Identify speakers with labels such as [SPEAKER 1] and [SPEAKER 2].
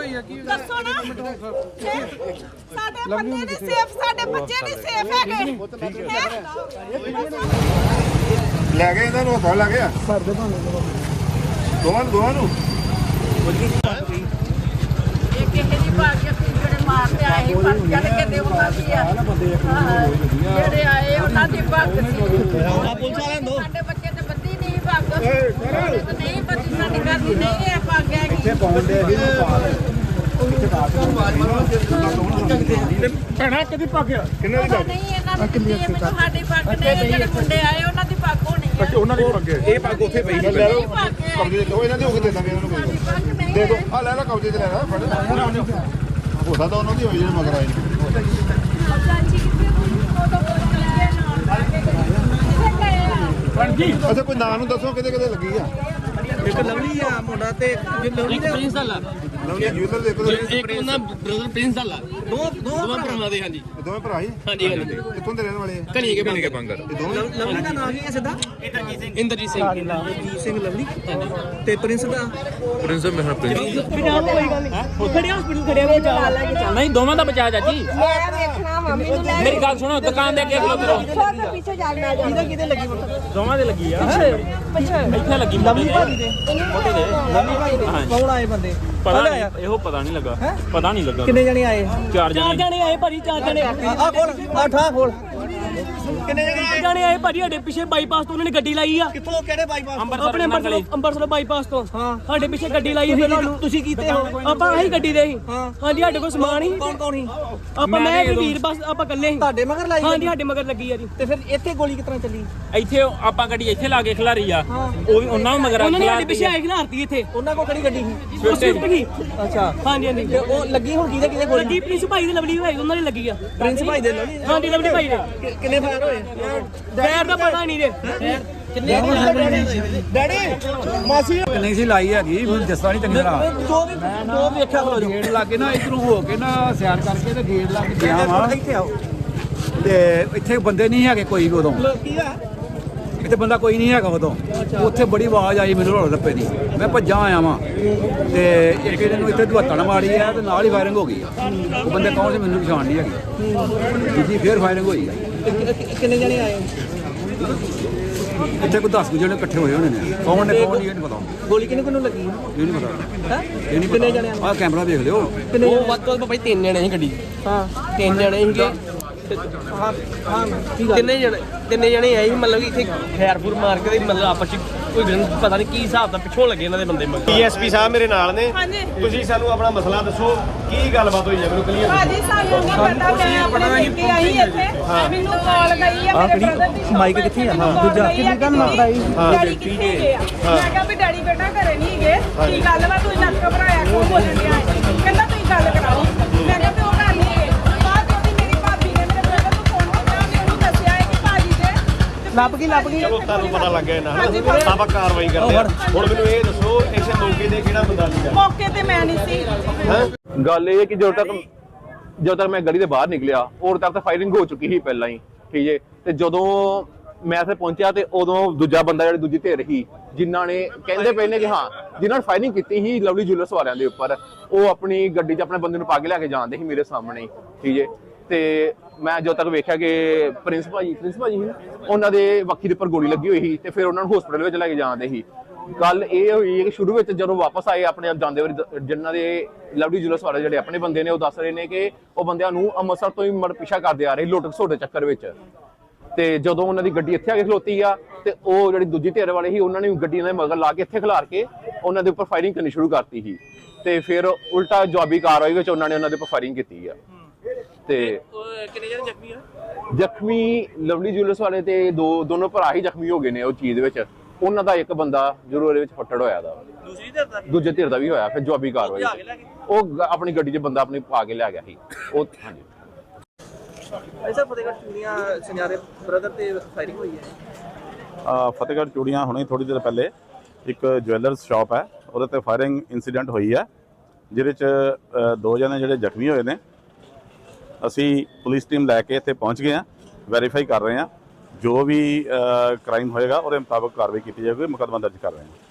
[SPEAKER 1] ਦੱਸੋ ਨਾ ਸਾਡੇ ਬੰਦੇ ਨਹੀਂ ਸੇਫ, ਸਾਡੇ ਬੱਚੇ ਨਹੀਂ ਸੇਫ ਹੈਗੇ।
[SPEAKER 2] ਲੈ ਗਏ ਇਹਨਾਂ ਨੂੰ ਹੱਥਾਂ ਲੱਗ ਗਿਆ ਦੋਵਾਂ ਨੂੰ
[SPEAKER 1] ਇਹ ਕਿਸੇ ਦੀ ਭਾਗਿਆ ਜਿਹੜੇ ਮਾਰਦੇ ਆਏ ਪਰ ਜਦ ਕੇ ਦੇਵਤਾ ਕੀ ਆ ਜਿਹੜੇ ਆਏ ਉਹਨਾਂ ਦੀ ਭਾਗ ਸੀ। ਸਾਡੇ ਬੱਚੇ ਤੇ ਬੱਦੀ ਨਹੀਂ ਭਾਗ, ਨਹੀਂ ਬੱਦੀ ਸਾਡੇ ਘਰ ਦੀ ਨਹੀਂ ਹੈ ਭਾਗ ਹੈਗੀ।
[SPEAKER 2] ਭੈਣਾ ਕਦੀ ਪੱਕਿਆ ਕਿੰਨੇ ਦੀ
[SPEAKER 1] ਨਹੀਂ ਇਹਨਾਂ ਦੀ ਦਿੱਤੀ ਹੈ ਮੈਨੂੰ, ਸਾਡੀ ਪੱਗ ਨਹੀਂ। ਜਿਹੜੇ ਮੁੰਡੇ ਆਏ ਉਹਨਾਂ ਦੀ ਪੱਗ ਹੋਣੀ ਹੈ।
[SPEAKER 2] ਅੱਛਾ ਉਹਨਾਂ ਦੀ ਪੱਗ ਇਹ ਪੱਗ ਉੱਥੇ ਪਈ ਲੈ ਲਓ ਕਬਜ਼ੇ ਲਓ ਇਹਨਾਂ ਦੇ ਹੋ ਕੇ ਦੇ ਦਾਂਗੇ ਇਹਨਾਂ ਨੂੰ ਦੇ ਦੋ ਆ ਲੈ ਲੈ ਕਬਜ਼ੇ 'ਚ ਲੈ ਲੈ ਫੜ ਹੋ ਸਕਦਾ ਉਹਨਾਂ ਦੀ ਹੋਈ ਜਿਹੜੇ ਮਗਰ ਆਏ ਅੱਛਾ ਕੋਈ ਨਾਂ ਨੂੰ ਦੱਸੋ ਕਿਤੇ ਕਿਤੇ ਲੱਗੀ ਆ
[SPEAKER 3] ਇੱਕ ਲਵਲੀ ਆ ਮੁੰਡਾ ਤੇ ਲਵਲੀ ਦੇ
[SPEAKER 4] ਪ੍ਰਿੰਸ ਵਾਲਾ
[SPEAKER 2] ਲਵਲੀ ਜੂਲਰ ਦੇ
[SPEAKER 4] ਇੱਕ ਉਹਨਾਂ ਬ੍ਰਦਰ ਪ੍ਰਿੰਸ ਵਾਲਾ ਦੋਵਾਂ ਭਰਾਵਾਂ ਦੇ। ਹਾਂਜੀ
[SPEAKER 2] ਦੋਵੇਂ ਭਰਾ ਹੀ
[SPEAKER 4] ਹਾਂਜੀ ਹਾਂਜੀ
[SPEAKER 2] ਕਿੱਥੋਂ ਦੇ ਰਹਿਣ ਵਾਲੇ ਆ
[SPEAKER 4] ਕਣੀ ਕੇ ਬੰਗਰ
[SPEAKER 3] ਲਵਲੀ ਦਾ ਨਾਮ ਕੀ ਹੈ ਸਿੱਧਾ
[SPEAKER 4] ਇੰਦਰਜੀਤ ਸਿੰਘ
[SPEAKER 3] ਜੀਤ ਸਿੰਘ ਲਵਲੀ ਤੇ ਪ੍ਰਿੰਸ ਦਾ
[SPEAKER 4] ਮੇਰਾ ਪ੍ਰਿੰਸ
[SPEAKER 3] ਖੜਿਆ ਕੋਈ ਗੱਲ ਨਹੀਂ ਖੜਿਆ ਹਸਪੀਟਲ ਖੜਿਆ ਬਚਾ ਲੈ ਕੇ ਚੱਲ।
[SPEAKER 4] ਨਹੀਂ ਦੋਵਾਂ ਦਾ ਬਚਾ ਚਾਚੀ।
[SPEAKER 1] ਮੈਂ ਵੇਖਣਾ ਮੰਮੀ ਨੂੰ ਲੈ
[SPEAKER 4] ਮੇਰੀ ਗੱਲ ਸੁਣੋ, ਦੁਕਾਨ ਦੇ ਅੱਗੇ ਖਲੋ ਕਰੋ।
[SPEAKER 1] ਪਿੱਛੇ ਜਾਣਾ
[SPEAKER 3] ਕਿਹਦੇ ਲੱਗੀ
[SPEAKER 4] ਦੋਵਾਂ ਦੇ ਲੱਗੀ ਆ ਇੱਥੇ ਲੱਗੀ
[SPEAKER 3] ਲਵਲੀ ਭਾਜੀ ਦੇ ਲਵਲੀ ਭਾਜੀ ਦੇ ਕੌਣ ਆਏ ਬੰਦੇ
[SPEAKER 4] ਪਤਾ ਨਹੀਂ, ਇਹੋ ਪਤਾ ਨਹੀਂ ਲੱਗਾ ਪਤਾ ਨਹੀਂ ਲੱਗਾ
[SPEAKER 3] ਕਿੰਨੇ ਜਣੇ ਆਏ
[SPEAKER 4] ਚਾਰ ਜਣੇ
[SPEAKER 3] ਆਏ ਭਾਜੀ 4 ਜਣੇ ਆ ਖੋਲ ਆ ਠਾ ਖੋਲ ਕਿੰਨੇ ਜਣੇ ਆਏ ਭਾਜੀ ਸਾਡੇ ਪਿੱਛੇ ਬਾਈਪਾਸ ਤੋਂ ਉਹਨਾਂ ਨੇ ਗੱਡੀ ਲਾਈ ਆ ਕਿੱਥੋਂ ਕਿਹੜੇ ਬਾਈਪਾਸ ਆਪਣੇ ਅੰਬਰਸਰ ਬਾਈਪਾਸ ਤੋਂ ਹਾਂ ਸਾਡੇ ਪਿੱਛੇ ਗੱਡੀ ਲਾਈ ਸੀ ਤੁਸੀਂ ਕੀਤੇ ਹੋ ਆਪਾਂ ਆਹੀ ਗੱਡੀ ਦੇ ਸੀ ਹਾਂਜੀ ਸਾਡੇ ਕੋਲ ਸਮਾਨ ਹੀ ਕੌਣ ਸੀ ਆਪਾਂ ਮੈਂ ਤੇ ਵੀਰ ਬਸ ਆਪਾਂ ਇਕੱਲੇ ਸੀ ਤੁਹਾਡੇ ਮਗਰ ਲਾਈ ਹਾਂਜੀ ਸਾਡੇ ਮਗਰ ਲੱਗੀ ਆ ਜੀ ਤੇ ਫਿਰ ਇੱਥੇ ਗੋਲੀ ਕਿਸ ਤਰ੍ਹਾਂ ਚੱਲੀ
[SPEAKER 4] ਇੱਥੇ ਆਪਾਂ ਗੱਡੀ ਇੱਥੇ ਲਾ ਕੇ ਖਿਲਾਰੀ ਆ ਉਹ ਵੀ ਉਹਨਾਂ ਨੂੰ ਮਗਰ
[SPEAKER 3] ਉਹਨਾਂ ਨੇ ਸਾਡੇ ਪਿੱਛੇ ਆਏ ਖਿਲਾਰਤੀ ਇੱਥੇ ਉਹਨਾਂ ਕੋਲ ਕਿਹੜੀ ਗੱਡੀ ਸੀ ਸਵਿਫਟ ਕੀ ਅੱਛਾ ਹਾਂਜੀ ਹਾਂਜੀ ਤੇ ਉਹ ਲੱਗੀ ਹੁਣ ਕਿਹਦੇ ਗੋਲੀ ਲੱਗੀ ਪ੍ਰਿੰਸ ਭਾਈ ਦੀ ਲਵਲੀ ਭਾਈ ਉਹਨਾਂ ਦੀ ਲੱਗੀ ਆ ਪ੍ਰਿੰਸ ਭਾਈ ਦੇ ਲਵਲੀ ਹਾਂਜੀ ਲਵਲੀ ਭਾਈ ਦੇ ਕਿੰਨੇ ਫਾਇਰ ਹੋਏ ਫਾਇਰ ਦਾ ਪਤਾ ਨਹੀਂ ਜੇ ਕਿੰਨੇ ਡੈਡੀ ਮਾਸੀ
[SPEAKER 5] ਨਹੀਂ ਸੀ ਲਾਈ ਹੈਗੀ ਮੈਨੂੰ ਦੱਸਦਾ ਨਹੀਂ ਚੰਗੀ ਤਰ੍ਹਾਂ
[SPEAKER 3] ਦੋ ਵੇਖਿਆ ਖਲੋ
[SPEAKER 5] ਗੇਟ ਲੱਗੇ ਨਾ ਇਧਰੋਂ ਹੋ ਕੇ ਨਾ ਸਿਆਰ ਕਰਕੇ ਤੇ ਗੇਟ ਲੱਗ ਗਿਆ ਵਾ
[SPEAKER 3] ਇੱਥੇ ਆਓ
[SPEAKER 5] ਤੇ ਇੱਥੇ ਬੰਦੇ ਨਹੀਂ ਹੈਗੇ ਕੋਈ ਵੀ ਉਦੋਂ
[SPEAKER 3] ਕੀ ਆ
[SPEAKER 5] ਇੱਥੇ ਬੰਦਾ ਕੋਈ ਨਹੀਂ ਹੈਗਾ ਉਦੋਂ ਉੱਥੇ ਬੜੀ ਆਵਾਜ਼ ਆਈ ਮੈਨੂੰ ਰੋਲ ਰੱਪੇ ਦੀ ਮੈਂ ਭੱਜਾਂ ਆਇਆ ਵਾਂ ਤੇ ਇੱਕ ਇਹਦੇ ਨੂੰ ਇੱਥੇ ਦੁਹੱਤਣ ਮਾਰੀ ਆ ਤੇ ਨਾਲ ਹੀ ਫਾਇਰਿੰਗ ਹੋ ਗਈ ਉਹ ਬੰਦੇ ਕੌਣ ਸੀ ਮੈਨੂੰ ਪਛਾਣ ਨਹੀਂ ਹੈਗੀ ਜੀ ਫੇਰ ਫਾਇਰਿੰਗ ਹੋਈ ਆ
[SPEAKER 3] ਕਿੰਨੇ ਜਣੇ ਆਏ
[SPEAKER 5] ਇੱਥੇ ਕੋਈ 10 ਜਣੇ ਇਕੱਠੇ ਹੋਏ ਹੋਣੇ ਨੇ ਕੌਣ ਨੇ ਕੌਣ ਨਹੀਂ ਇਹ ਨਹੀਂ ਪਤਾ
[SPEAKER 3] ਗੋਲੀ ਕਿਹਨੂੰ ਲੱਗੀ
[SPEAKER 5] ਇਹ ਨਹੀਂ ਪਤਾ
[SPEAKER 3] ਹੈ
[SPEAKER 5] ਇਹ ਨਹੀਂ
[SPEAKER 3] ਕਿੰਨੇ ਜਣੇ
[SPEAKER 5] ਆਹ ਕੈਮਰਾ ਦੇਖ ਲਿਓ
[SPEAKER 4] ਉਹ ਵੱਧ ਤੋਂ ਵੱਧ ਭਾਈ 3 ਜਣੇ ਸੀ ਗੱਡੀ
[SPEAKER 3] ਹਾਂ
[SPEAKER 4] 3 ਜਣੇ ਸੀਗੇ
[SPEAKER 3] ਹਾਂ ਹਾਂ
[SPEAKER 4] ਤਿੰਨੇ ਜਣੇ ਆਏ ਸੀ, ਮਤਲਬ ਕਿ ਇੱਥੇ ਖੈਰਪੁਰ ਮਾਰ ਕੇ ਮਤਲਬ ਆਪਸ ਚ ਕੋਈ ਪਤਾ ਨਹੀਂ ਕੀ ਹਿਸਾਬ ਦਾ ਪਿੱਛੋਂ ਲੱਗੇ ਇਹਨਾਂ ਦੇ ਬੰਦੇ ਮਗਰ।
[SPEAKER 6] ਡੀਐਸਪੀ ਸਾਹਿਬ ਮੇਰੇ ਨਾਲ ਨੇ ਤੁਸੀਂ ਸਾਨੂੰ ਆਪਣਾ ਮਸਲਾ ਦੱਸੋ ਕੀ ਗੱਲਬਾਤ ਹੋਈ ਹੈ ਮੈਨੂੰ ਕਲੀਅਰ
[SPEAKER 1] ਭਾਜੀ ਸਾਨੂੰ ਨਹੀਂ ਪਤਾ, ਮੈਂ ਆਪਣੇ ਪੇਕੇ ਆਈ ਇੱਥੇ ਮੈਨੂੰ ਕਾਲ ਗਈ ਆ ਮੇਰੇ ਬ੍ਰਦਰ ਦੀ
[SPEAKER 3] ਮਾਈਕ ਕਿੱਥੇ ਆ ਹਾਂ ਦੂਜਾ ਕਿੰਨੀ ਗੱਲ ਮਾਰਦਾ ਹੀ
[SPEAKER 1] ਡੈਡੀ ਕਿੱਥੇ ਗਏ ਆ ਮੈਂ ਕਿਹਾ ਵੀ ਡੈਡੀ ਬੇਟਾ ਘਰੇ ਨਹੀਂ ਗਏ ਕੀ ਗੱਲ ਵਾ ਤੂੰ ਨੱਕ ਘਬਰਾਇਆ ਕਿਉਂ ਬੋਲਣ ਡਿਆ ਕਹਿੰਦਾ ਤੁਸੀਂ ਗੱਲ ਕਰਾਓ ਮੈਂ ਕਿਹਾ ਵੀ ਉਹ ਘਰ ਨਹੀਂ ਗਏ ਬਾਅਦ ਉਹਦੀ ਮੇਰੀ ਭਾਬੀ ਨੇ ਮੇਰੇ ਬ੍ਰਦਰ ਨੂੰ ਫੋਨ ਕੀਤਾ ਤੇ ਉਹਨੂੰ ਦੱਸਿਆ ਹੈ ਕਿ ਭਾਜੀ ਦੇ
[SPEAKER 3] ਲੱਭ ਗਈ
[SPEAKER 6] ਚਲੋ ਤੁਹਾਨੂੰ ਪਤਾ ਲੱਗ ਗਿਆ ਇਹਨਾਂ ਆਪਾਂ ਕਾਰਵਾਈ ਕਰਦੇ ਹਾਂ ਹੁਣ ਮੈਨੂੰ ਇਹ ਦੱਸੋ ਇਸੇ ਮੌਕੇ ਤੇ ਕਿਹੜਾ ਬੰਦਾ ਸੀਗਾ
[SPEAKER 1] ਮੌਕੇ ਤੇ ਮੈਂ ਨਹੀਂ ਸੀ
[SPEAKER 7] ਗੱਲ ਇਹ ਹੈ ਕਿ ਜਦੋਂ ਤੱਕ ਮੈਂ ਗਲੀ ਦੇ ਬਾਹਰ ਨਿਕਲਿਆ ਉਦੋਂ ਤੱਕ ਤਾਂ ਫਾਇਰਿੰਗ ਹੋ ਚੁੱਕੀ ਸੀ ਪਹਿਲਾਂ ਹੀ ਠੀਕ ਹੈ ਤੇ ਜਦੋਂ ਮੈਂ ਇੱਥੇ ਪਹੁੰਚਿਆ ਤੇ ਉਦੋਂ ਦੂਜਾ ਬੰਦਾ ਜਿਹੜੀ ਦੂਜੀ ਧਿਰ ਸੀ ਜਿਨ੍ਹਾਂ ਨੇ ਕਹਿੰਦੇ ਪਏ ਨੇ ਕਿ ਹਾਂ ਜਿਨ੍ਹਾਂ ਨੇ ਫਾਇਰਿੰਗ ਕੀਤੀ ਸੀ ਲਵਲੀ ਜੁਐਲਰਸ ਵਾਲਿਆਂ ਦੇ ਉੱਪਰ ਉਹ ਆਪਣੀ ਗੱਡੀ 'ਚ ਆਪਣੇ ਬੰਦੇ ਨੂੰ ਪਾ ਕੇ ਲੈ ਕੇ ਜਾਂਦੇ ਸੀ ਮੇਰੇ ਸਾਹਮਣੇ ਠੀਕ ਹੈ ਤੇ ਮੈਂ ਜਦੋਂ ਤੱਕ ਵੇਖਿਆ ਕਿ ਪ੍ਰਿੰਸ ਭਾਜੀ ਸੀ ਉਹਨਾਂ ਦੇ ਵੱਖੀ ਦੇ ਉੱਪਰ ਗੋਲੀ ਲੱਗੀ ਹੋਈ ਸੀ ਤੇ ਫਿਰ ਉਹਨਾਂ ਨੂੰ ਹਸਪੀਟਲ ਵਿੱਚ ਲੈ ਕੇ ਜਾਂਦੇ ਸੀ। ਗੱਲ ਇਹ ਹੋਈ ਕਿ ਸ਼ੁਰੂ ਵਿੱਚ ਜਦੋਂ ਵਾਪਸ ਆਏ ਆਪਣੇ ਆਪ ਜਾਂਦੇ ਵਾਰੀ ਜਿਨ੍ਹਾਂ ਦੇ ਲਵਲੀ ਜੁਐਲਰਸ ਵਾਲੇ ਜਿਹੜੇ ਆਪਣੇ ਬੰਦੇ ਨੇ ਉਹ ਦੱਸ ਰਹੇ ਨੇ ਕਿ ਉਹ ਬੰਦਿਆਂ ਨੂੰ ਅੰਮ੍ਰਿਤਸਰ ਤੋਂ ਹੀ ਮੜ ਪਿੱਛਾ ਕਰਦੇ ਆ ਰਹੇ ਲੁੱਟ ਖਸੁੱਟ ਦੇ ਚੱਕਰ ਵਿੱਚ ਤੇ ਜਦੋਂ ਉਹਨਾਂ ਦੀ ਗੱਡੀ ਇੱਥੇ ਆ ਕੇ ਖਲੋਤੀ ਆ ਤੇ ਉਹ ਜਿਹੜੀ ਦੂਜੀ ਧਿਰ ਵਾਲੇ ਸੀ ਉਹਨਾਂ ਨੇ ਗੱਡੀ ਦੇ ਮਗਰ ਲਾ ਕੇ ਇੱਥੇ ਖਿਲਾਰ ਕੇ ਉਹਨਾਂ ਦੇ ਉੱਪਰ ਫਾਇਰਿੰਗ ਕਰਨੀ ਸ਼ੁਰੂ ਕਰਤੀ ਸੀ ਤੇ ਫਿਰ ਉਲਟਾ ਜਵਾਬੀ ਕਾਰਵਾਈ ਵਿੱਚ ਉਹਨਾਂ ਨੇ ਉਹਨਾਂ ਦੇ ਉੱਪਰ ਫਾਇਰਿੰਗ ਕੀਤੀ ਆ ਤੇ
[SPEAKER 4] ਕਿੰਨੇ ਜਣੇ ਜ਼ਖਮੀ ਆ?
[SPEAKER 7] ਜ਼ਖਮੀ ਲਵਲੀ ਜੁਐਲਰਸ ਵਾਲੇ ਤੇ ਦੋਨੋਂ ਭਰਾ ਹੀ ਜ਼ਖਮੀ ਹੋ ਗਏ ਨੇ ਉਹ ਚੀਜ਼ ਵਿੱਚ ਉਹਨਾਂ ਦਾ ਇੱਕ ਬੰਦਾ ਜ਼ਰੂਰ ਉਹਦੇ ਵਿੱਚ ਫੱਟੜ ਹੋਇਆ ਦਾ ਦੂਜੇ ਧਿਰ ਦਾ ਵੀ ਹੋਇਆ ਫਿਰ ਜਵਾਬੀ ਕਾਰਵਾਈ ਉਹ ਆਪਣੀ ਗੱਡੀ 'ਚ ਬੰਦਾ ਆਪਣੀ ਪਾ ਕੇ ਲੈ ਗਿਆ ਸੀ ਉਹ ਹਾਂਜੀ
[SPEAKER 3] ਐਸਾ ਫਤਿਹਗੜ੍ਹ ਚੂੜੀਆਂ ਸੁਨਿਆਰੇ ਬ੍ਰਦਰ ਤੇ ਫਾਇਰਿੰਗ ਹੋਈ ਹੈ
[SPEAKER 2] ਫਤਿਹਗੜ੍ਹ ਚੂੜੀਆਂ ਹੁਣੇ ਥੋੜੀ ਦੇਰ ਪਹਿਲੇ ਇੱਕ ਜੁਐਲਰਸ ਸ਼ਾਪ ਹੈ ਉਹਦੇ ਤੇ ਫਾਇਰਿੰਗ ਇਨਸੀਡੈਂਟ ਹੋਈ ਹੈ ਜਿਹਦੇ 'ਚ 2 ਜਣੇ ਜਿਹੜੇ ਜ਼ਖਮੀ ਹੋਏ ਨੇ ਅਸੀਂ ਪੁਲਿਸ ਟੀਮ ਲੈ ਕੇ ਇੱਥੇ ਪਹੁੰਚ ਗਏ ਹਾਂ ਵੈਰੀਫਾਈ ਕਰ ਰਹੇ ਹਾਂ ਜੋ ਵੀ ਕ੍ਰਾਈਮ ਹੋਏਗਾ ਉਹਦੇ ਮੁਤਾਬਕ ਕਾਰਵਾਈ ਕੀਤੀ ਜਾਵੇਗੀ ਮੁਕੱਦਮਾ ਦਰਜ ਕਰ ਰਹੇ ਹਾਂ।